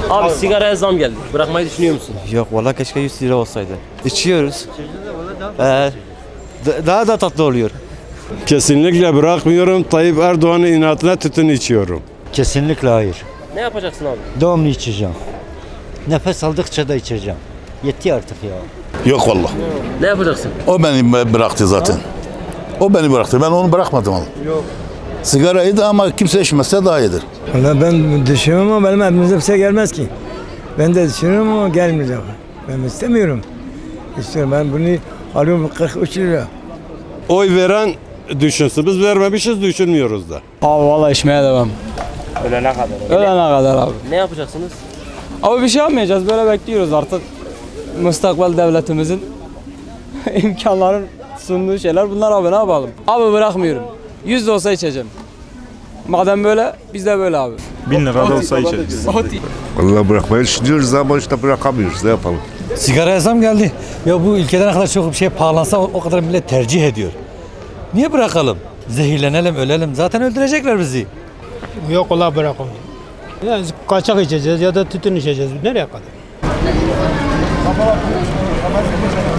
Abi sigaraya zam geldi. Bırakmayı düşünüyor musun? Yok valla keşke 100 lira olsaydı. İçiyoruz. Daha da tatlı oluyor. Kesinlikle bırakmıyorum. Tayyip Erdoğan'ın inatına tütün içiyorum. Kesinlikle hayır. Ne yapacaksın abi? Devamlı içeceğim. Nefes aldıkça da içeceğim. Yetti artık ya. Yok vallahi. Ne yapacaksın? O beni bıraktı zaten. O beni bıraktı. Ben onu bırakmadım. Yok. Sigarayı da ama kimse içmezse daha iyidir. Valla ben düşünüyorum ama benim elimize bir şey gelmez ki. Ben de düşünüyorum ama gelmeyecek. Ben istemiyorum. İstiyorum ben bunu alıyorum 43 lira. Oy veren düşünsün. Biz vermemişiz, düşünmüyoruz da. Abi valla içmeye devam. Ölene kadar. Ölene kadar abi. Ne yapacaksınız? Abi bir şey yapmayacağız, böyle bekliyoruz artık. Müstakbel devletimizin imkanların sunduğu şeyler bunlar abi, ne yapalım? Abi bırakmıyorum. 100 de olsa içeceğim. Madem böyle biz de böyle abi. 1000 lira da olsa içeriz. Vallahi bırakmayı düşünüyoruz ama işte bırakamıyoruz. Ne yapalım? Sigaraya zam geldi. Ya bu ülkede ne kadar çok bir şey pahalansa o kadar millet tercih ediyor. Niye bırakalım? Zehirlenelim, ölelim. Zaten öldürecekler bizi. Yok ola bırakalım. Ya kaçak içeceğiz ya da tütün içeceğiz. Nereye kadar?